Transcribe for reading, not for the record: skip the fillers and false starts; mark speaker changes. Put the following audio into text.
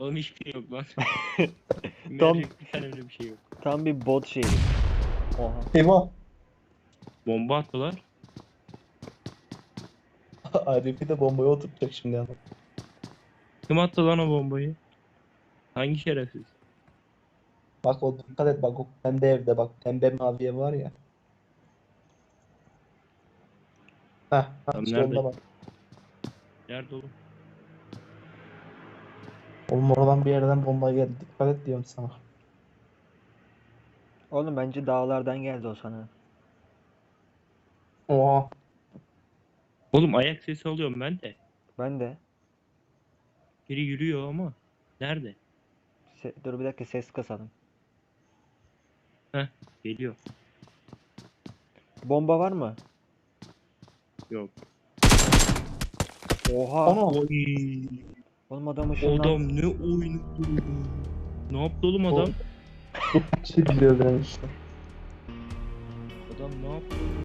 Speaker 1: Oğlum hiçbir şey yok lan.
Speaker 2: Tam-
Speaker 1: Mercek bir tane öyle bir şey yok.
Speaker 2: Tam bir bot şeyi. Oha.
Speaker 3: Eyvah.
Speaker 1: Bomba attılar.
Speaker 3: Arif'i de bombaya oturtacak şimdi yani.
Speaker 1: Kim attı lan o bombayı? Hangi şerefsiz?
Speaker 3: Bak o dikkat et bak o pembe evde bak. Pembe mavi ev var ya. Heh,
Speaker 1: Tam
Speaker 3: solda
Speaker 1: nerede?
Speaker 3: bak.
Speaker 1: Nerede oğlum?
Speaker 3: Oğlum oradan bir yerden bomba geldi. Dikkat et diyorum sana.
Speaker 2: Oğlum bence dağlardan geldi o sana.
Speaker 3: Oha.
Speaker 1: Oğlum ayak sesi alıyorum ben de.
Speaker 2: Ben de.
Speaker 1: Biri yürüyor ama. Nerede?
Speaker 2: Dur bir dakika ses kasalım.
Speaker 1: Heh, geliyor.
Speaker 2: Bomba var mı?
Speaker 1: Yok.
Speaker 2: Oha.
Speaker 3: Ana.
Speaker 1: Oy.
Speaker 2: Oğlum adam
Speaker 1: O
Speaker 2: ışınlan.
Speaker 1: adam ne oynadı? Ne yaptı oğlum adam?
Speaker 3: Şey biliyor ben işte.
Speaker 1: Adam ne yaptı?